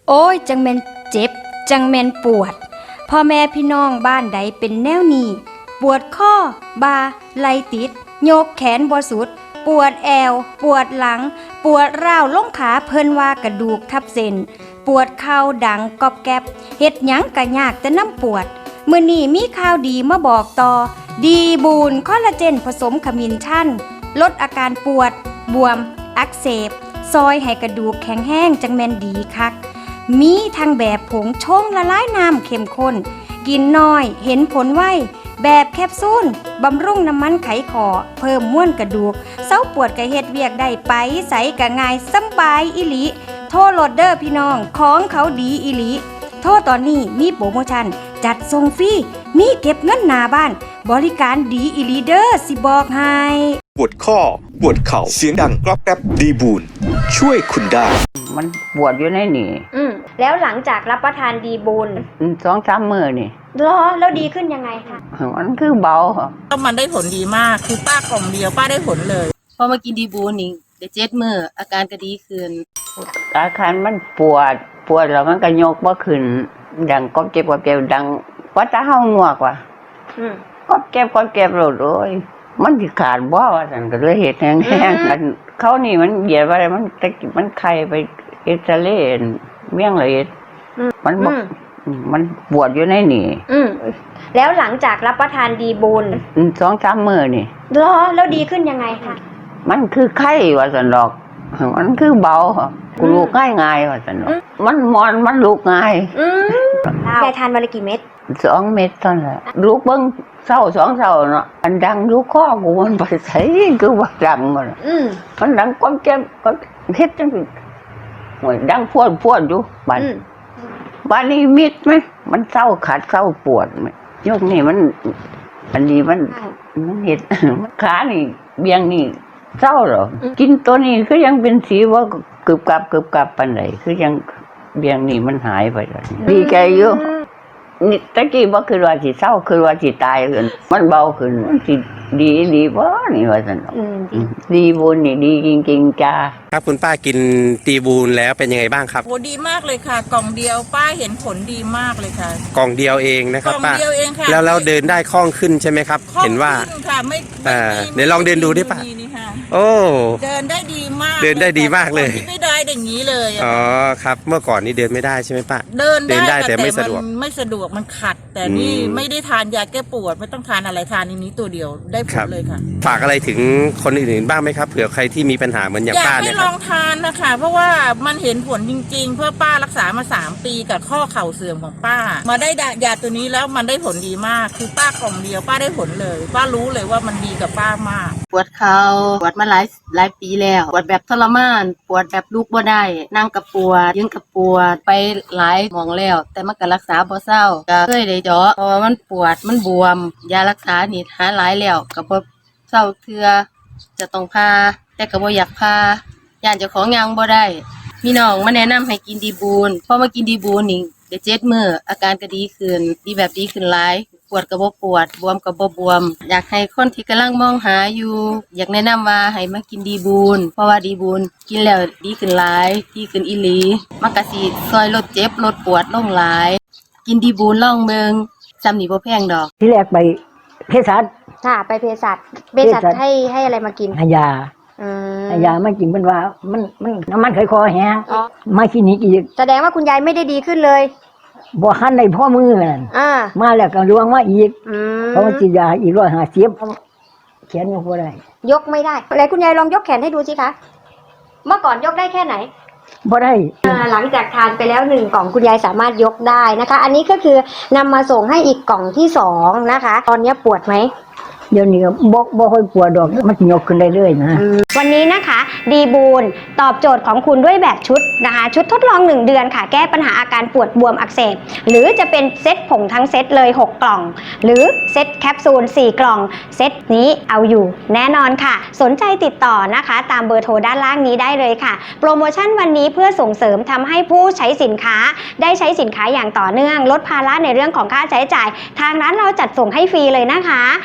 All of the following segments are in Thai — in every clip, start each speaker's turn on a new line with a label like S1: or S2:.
S1: โอ้ยจังแม่นเจ็บจังแม่นปวดพ่อแม่พี่น้องบ้านใดเป็นแนวนี้ปวดข้อบ่าไหล่ติดโยกแขนบ่สุดปวดแอวปวดหลังปวดร้าวลงขาเพิ่นว่ากระดูกทับเส้นปวดเข่าดังกอบแกบเฮ็ดหยังก็ยากแต่น้ำปวดมื้อนี้มีข่าวดีมาบอกต่อดีบูนคอลลาเจนผสมขมิ้นชันลดอาการปวดบวมอักเสบซอยให้กระดูกแข็งแห้งจังแม่นดีคักมีทั้งแบบผงชงละลายน้ำเข้มข้นกินน้อยเห็นผลไวแบบแคปซูลบำรุงน้ำมันไขขอเพิ่มม้วนกระดูกเซาปวดกะเฮ็ดเวียกได้ไปใสกะง่ายสำบายอิลิโทรโหลดเด้อพี่น้องของเขาดีอิลิโทรตอนนี้มีโปรโมชั่นจัดส่งฟรีมีเก็บเงินหน้าบ้านบริการดีอิลิเด้อสิบอกให้
S2: ปวดข้อปวดเข่าเสียงดังกรอบแกรบดีบูนช่วยคุณได้
S3: มันปวดอยู่ในนี่
S1: แล้วหลังจากรับประทานดีบูน
S3: 2-3 มื้อนี่
S1: แล้วดีขึ้นยังไงคะ
S3: มันคือเบา
S4: ก็มันได้ผลดีมากคือป้ากล่องเดียวป้าได้ผลเลย
S5: พอมากินดีบูนนี่ได้7 มื้ออาการก็ดีขึ้น
S3: อาการมันปวดแล้วมันก็ยกบ่ขึ้นดังก๊อบเจ็บดังว่าจะเฮางัวกว่าก๊อบเจ็บโลดโอ้ยมันสิขาดบ่ว่าซั่นก็เลยเฮ็ดแห้งๆกันเขานี่มันเหยียดว่ามันไข้ไปเอ็กซเรย์เมี่ยงละเอียดมันปวดอยู่ในนี่
S1: แล้วหลังจากรับประทานดีบูน
S3: 2-3 มื้อนี่
S1: แล้วดีขึ้นยังไงคะ
S3: มันคือไข้ว่าซั่นดอกมันคือเบากูลูกง่ายๆว่าซั่นดอกมันลูกง่าย
S1: ยายทานวันละกี่เม็ด
S3: 2 เม็ดเท่านั้นแหละลูกเบิ่งเช้า2 เช้าเนาะอันดังอยู่คอกูมันไปไสคือว่าดังมันดังก้มแก้มก็เฮ็ดจังซี่โอ้ยดังพวดอยู่บ้านนี้มิดไหมมันเศร้าขาดเศร้าปวดไหมยกนี่มันอันนี้มันเห็ดขานี่เบียงนี่เศร้าเหรอกินตัวนี้คือยังเป็นสีว่ากึบกับปันไหนคือยังเบียงนี่มันหายไปแล้วดีใจอยู่นี่ตะกี้ว่าคือว่าสิเศร้าคือว่าสิตายขึ้นมันเบาขึ้นสิดีบ่นี่ว่าซั่นดีบุญนี่ดีจริงๆจ้า
S2: ครับคุณป้ากินดีบูนแล้วเป็นยังไงบ้างครับ
S4: โหดีมากเลยค่ะกล่องเดียวป้าเห็นผลดีมากเลยค่ะ
S2: กล่องเดียวเองนะครับป้าก
S4: ล่องเดียวเองค่ะ
S2: แล้วเดินได้คล่องขึ้นใช่ไหมครับเห็นว่า
S4: ค่ะไม่
S2: เดี๋ยวลองเดินดูดิป้าโอ้
S4: เดินได้ดีมาก
S2: เดินได้ดีมากเลย
S4: ไม่ได้อย่างนี้เลย
S2: อ๋อครับเมื่อก่อนนี่เดินไม่ได้ใช่ไหมป้า
S4: เดินได้
S2: แต่ไม่สะดวก
S4: มันขัดแต่นี่ไม่ได้ทานยาแก้ปวดไม่ต้องทานอะไรทานนี้ตัวเดียวได้ผลเลยค่ะ
S2: ฝากอะไรถึงคนอื่นๆบ้างไหมครับเผื่อใครที่มีปัญหาเหมือนอย่างป้าเนี่ย
S4: อยากให้ลองทานนะคะเพราะว่ามันเห็นผลจริงๆเพื่อป้ารักษามา3 ปีกับข้อเข่าเสื่อมของป้ามาได้ยาตัวนี้แล้วมันได้ผลดีมากคือป้ากล่องเดียวป้าได้ผลเลยป้ารู้เลยว่ามันดีกับป้ามาก
S5: ปวดเข่าปวดมาหลายปีแล้วปวดแบบทรมานปวดแบบลุกบ่ได้นั่งกับปวดยืนกับปวดไปหลายหม่องแล้วแต่มันก็รักษาบ่เศร้าก็เคยได้เจาะเพราะว่ามันปวดมันบวมยารักษานี่หาหลายแล้วก็บ่เศร้าเทื่อจะต้องพาแต่ก็บ่อยากพาย่านเจ้าของยังบ่ได้มีน้องมาแนะนำให้กินดีบูนพอมากินดีบูนนี่ได้7 มื้ออาการก็ดีขึ้นดีขึ้นหลายปวดก็บ่ปวดบวมก็บ่บวมอยากให้คนที่กำลังมองหาอยู่อยากแนะนำว่าให้มากินดีบูนเพราะว่าดีบูนกินแล้วดีขึ้นหลายดีขึ้นอีหลีมันก็สิช่วยลดเจ็บลดปวดลงหลายกินดีบูนลองเบิ่งซ้ำนี่บ่แพงดอก
S6: ที่แรกไปเภสัช
S1: ค่ะไปเภสัชให้อะไรมากิน
S6: ยามากินเป็นว่ามันน้ำมันไขคอแห้งมาคลินิกอีก
S1: แสดงว่าคุณยายไม่ได้ดีขึ้นเลย
S6: บ่คันในพ่อมือนั่นมาแล้วก็ลวงมาอีกเพราะว่ากินยาอีก150แขนยกบ่ได้
S1: ยกไม่ได้แล้วคุณยายลองยกแขนให้ดูสิคะเมื่อก่อนยกได้แค่ไหน
S6: บ่ได้
S1: หลังจากทานไปแล้ว1 กล่องคุณยายสามารถยกได้นะคะอันนี้ก็คือนำมาส่งให้อีกกล่องที่2นะคะตอนนี้ปวดไหม
S6: เดี๋ยวนี้บ่ค่อยปวดดอกมันยกขึ้นได้เลยนะ
S1: วันนี้นะคะดีบูนตอบโจทย์ของคุณด้วยแบบชุดนะคะชุดทดลอง1 เดือนค่ะแก้ปัญหาอาการปวดบวมอักเสบหรือจะเป็นเซตผงทั้งเซตเลย6 กล่องหรือเซตแคปซูล4 กล่องเซตนี้เอาอยู่แน่นอนค่ะสนใจติดต่อนะคะตามเบอร์โทรด้านล่างนี้ได้เลยค่ะโปรโมชั่นวันนี้เพื่อส่งเสริมทำให้ผู้ใช้สินค้าได้ใช้สินค้าอย่างต่อเนื่องลดภาระในเรื่องของค่าใช้จ่ายทางร้านเราจัดส่งให้ฟรีเลยนะคะรีบ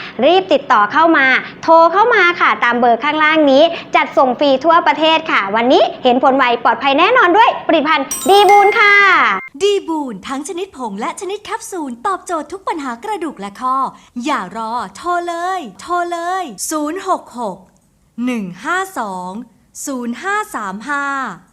S7: ติดต่อเข้ามาโทรเข้ามาค่ะตามเบอร์ข้างล่างนี้จัดส่งฟรีทั่วประเทศค่ะวันนี้เห็นผลไวปลอดภัยแน่นอนด้วยผลิตภัณฑ์ดีบูนค่ะ
S8: ดีบูนทั้งชนิดผงและชนิดแคปซูลตอบโจทย์ทุกปัญหากระดูกและข้ออย่ารอโทรเลย066 152 0535